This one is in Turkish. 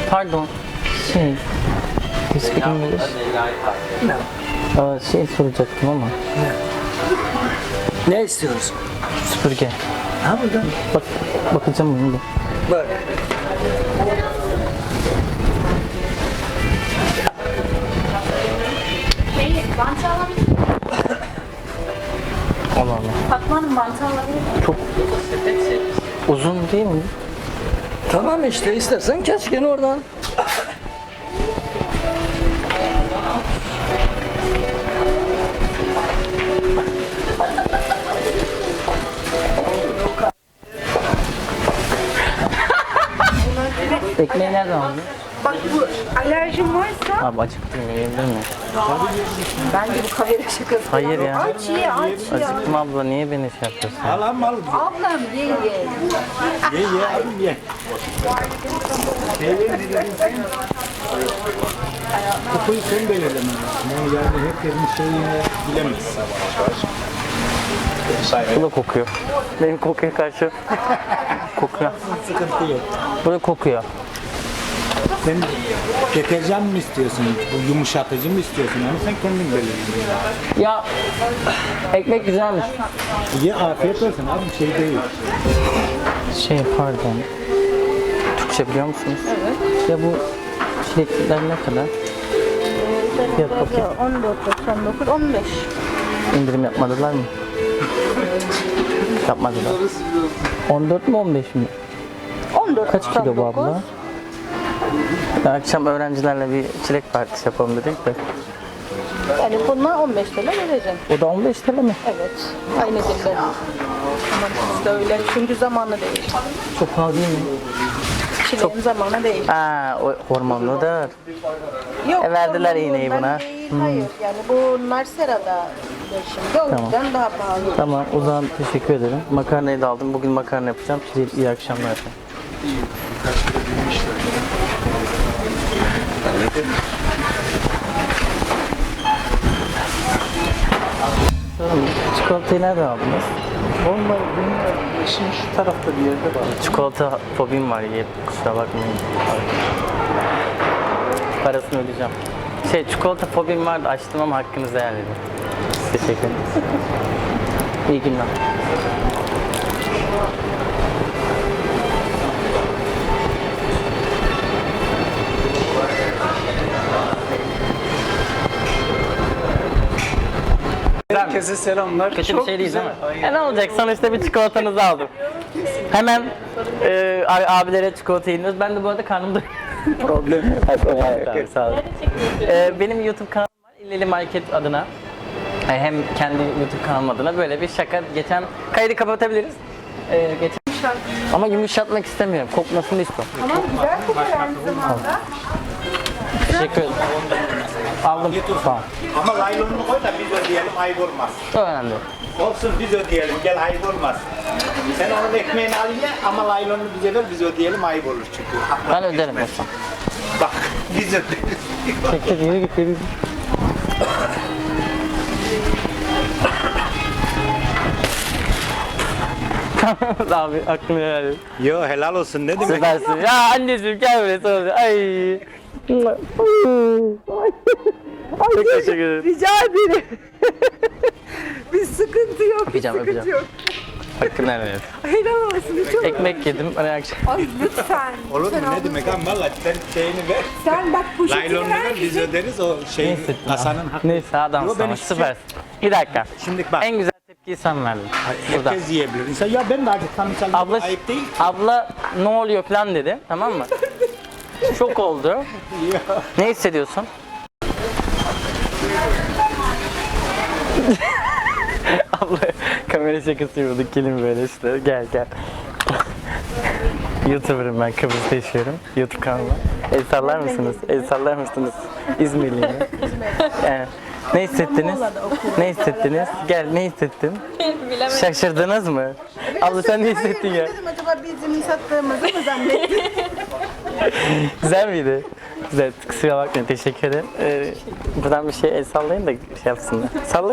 Pardon. You speak English? No. Şey soracaktım ama. Ne istiyorsun? Süpürge. Ha burada. Bak, bakacağım bunu da. Bak. Bantı alabilir miyim? Allah Allah. Fatma Hanım bantı alabilir miyim? Çok uzun değil mi? Tamam işte istersen kes gene oradan. Ekmeği nereden aldın? Bak bu alerjin varsa Abi acıktım, yiyebilir miyim? bence bu kavere şakası. Hayır ya. Aç ye aç ya. Acıktım abla, niye beni şey yapıyorsun? Al al. Ablam ye ye. Ye abim ye. Kokuyu sen belirlemen lazım. Yani herkesin şeyini bilemezsin. Bu da kokuyor. Benim kokuya karşı kokuyor. Sıkıntı yok. Bu da kokuyor. Sen deterjan mı istiyorsun? Bu yumuşatıcı mı istiyorsun? Onu sen kendin belirle. Ya ekmek güzelmiş. Ye afiyet olsun abim şey değil. Şey pardon. Türkçe biliyor musunuz? Evet. Ya bu çilekler ne kadar? Fiyat bakayım. 14.99 15. İndirim yapmadılar mı? Yapmadılar. 14 mi 15 mi? 14. Kaç kilo bu abla? Ya akşam öğrencilerle bir çilek partisi yapalım dedik de. Yani bunlar 15 TL vereceğim. O da 15 TL mi? Evet. Aynı dilde. Ama siz de öyle. Çünkü zamanı değil. Çok pahalı değil mi? Çileğin zamanı değil. Aa, o hormonludur. Yok. verdiler sorun iğneyi bundan buna. değil, hayır. Yani bunlar serada. Şimdi o yüzden daha pahalı. Tamam, o zaman teşekkür ederim. Makarnayı da aldım. Bugün makarna yapacağım. Size iyi akşamlar efendim. Sorun, çikolatayı nereden aldınız? Onlar benim işim şu tarafta bir yerde var. Çikolata fobim var, yiyip kusura bakmayın. Parasını ödeyeceğim. Çikolata fobim vardı, açtım ama hakkınızı helal edin. Teşekkür ederim. İyi günler. Herkese selamlar. Kötü bir şey değil değil mi? Ne olacak? Sonuçta bir çikolatanızı aldım. Hemen abilere çikolata yediniz. Ben de bu arada karnım doyuyor. Problem yok. Tamam, sağ olun. Benim YouTube kanalım var. İlleli Market adına. Hem kendi YouTube kanalım adına böyle bir şaka. Geçen kaydı kapatabiliriz. Geçen... Ama yumuşatmak istemiyorum. Kokmasını istiyorum. Tamam güzel kokar aynı zamanda. Teşekkür ederim. Aldım. Tamam. Ama laylonunu koy da biz ödeyelim ayıp olmaz. O önemli. Olsun biz ödeyelim gel ayıp olmaz. Sen onun ekmeğini al ye ama laylonunu bize ver biz ödeyelim ayıp olur çünkü. Ben öderim olsam. Bak biz ödeyelim. Çekil, yürü git, yürü git. Abi aklını helal et. Yo helal olsun ne demek? Süpersin. Ya anneciğim gel buraya sana. Ay. Çok teşekkür ederim. Rica ederim. Bir sıkıntı yok. Öpeceğim, sıkıntı öpeceğim. yok. Hakkını helal et. Helal olsun. Çok... Ekmek yedim. Hani akşam. Ay lütfen. Olur mu Lütfen ne abla. demek ama valla sen şeyini ver. Sen bak poşetini Laylonunu ver. ver biz öderiz o şeyin Neyse. kasanın hakkı. Neyse adamsın Yo, ben ama hiçbir şey- süpersin. Bir dakika. Şimdi bak. En güzel tepkiyi sen verdin. Burada. Herkes yiyebilir. İnsan ya ben de acıktan misal Abla, ayıp değil. abla ne oluyor falan dedi. Tamam mı? Şok oldu. Ne hissediyorsun? Abla kamera şakası yapıyorduk. Gelin böyle işte. Gel gel. YouTuber'ım ben. Kıbrıs'ta yaşıyorum. YouTube kanalı. El sallar mısınız? El sallar mısınız? İzmirliyim. Yani, ne hissettiniz? Ne hissettiniz? Gel ne hissettin? Şaşırdınız mı? Abla sen ne hissettin ya? Dedim acaba bizim sattığımızı mı zannettin? Güzel miydi? Güzel. Kusura bakmayın. Teşekkür ederim. Buradan bir şey el sallayın da şey yapsınlar. Sallayın.